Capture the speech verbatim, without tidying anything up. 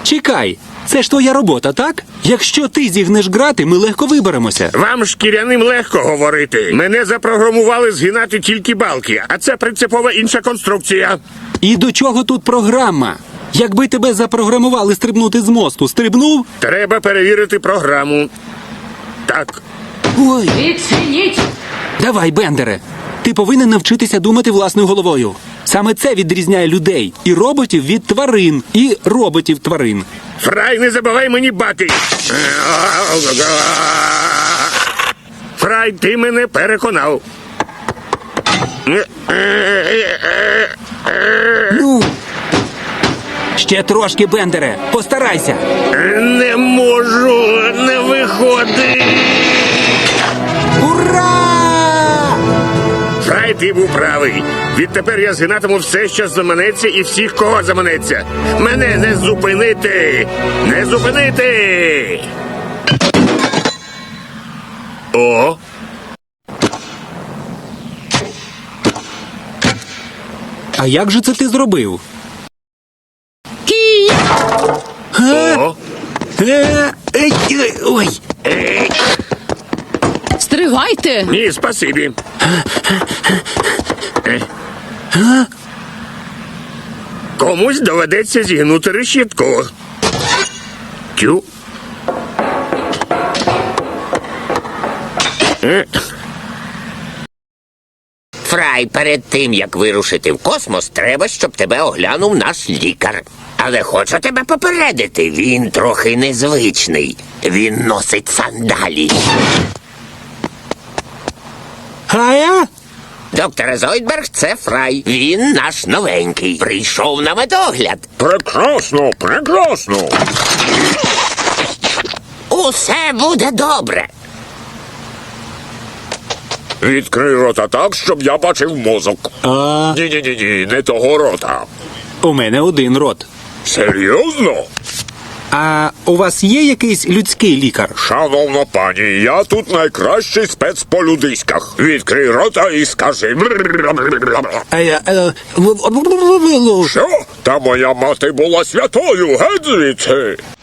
Чекай, це ж твоя робота, так? Якщо ти зігнеш грати, ми легко виберемося. Вам, шкіряним, легко говорити. Мене запрограмували згинати тільки балки, а це принципово інша конструкція. І до чого тут програма? Якби тебе запрограмували стрибнути з мосту, стрибнув? Треба перевірити програму. Так. Ой, Відчиніть! давай, Бендере. Ти повинен навчитися думати власною головою. Саме це відрізняє людей і роботів від тварин, і роботів-тварин. Фрай, не забувай мені бати. Фрай, ти мене переконав. Ну, ще трошки, Бендере, постарайся. Не можу, не виходить. Ура! Фрай, ти був правий. Відтепер я згинатиму все, що заманеться, і всіх, кого заманеться. Мене не зупинити! Не зупинити! О! А як же це ти зробив? Кій! О! Е, ей, ей, Ой! Стригайте! Ні, спасибі. Комусь доведеться зігнути решітку. Тю. Фрай, перед тим, як вирушити в космос, треба, щоб тебе оглянув наш лікар. Але хочу тебе попередити, він трохи незвичний. Він носить сандалі. А я? Доктор Зойдберг, це Фрай. Він наш новенький. Прийшов на медогляд. Прекрасно, прекрасно. Усе буде добре. Відкрий рота так, щоб я бачив мозок. А, Ні-ні-ні, не того рота. у мене один рот. Серйозно? А у вас є якийсь людський лікар? Шановна пані, я тут найкращий спец по людиськах. Відкрий рота і скажи. А я, е, в- в- в- в- в- Що? Та моя мати була святою, геть звідси.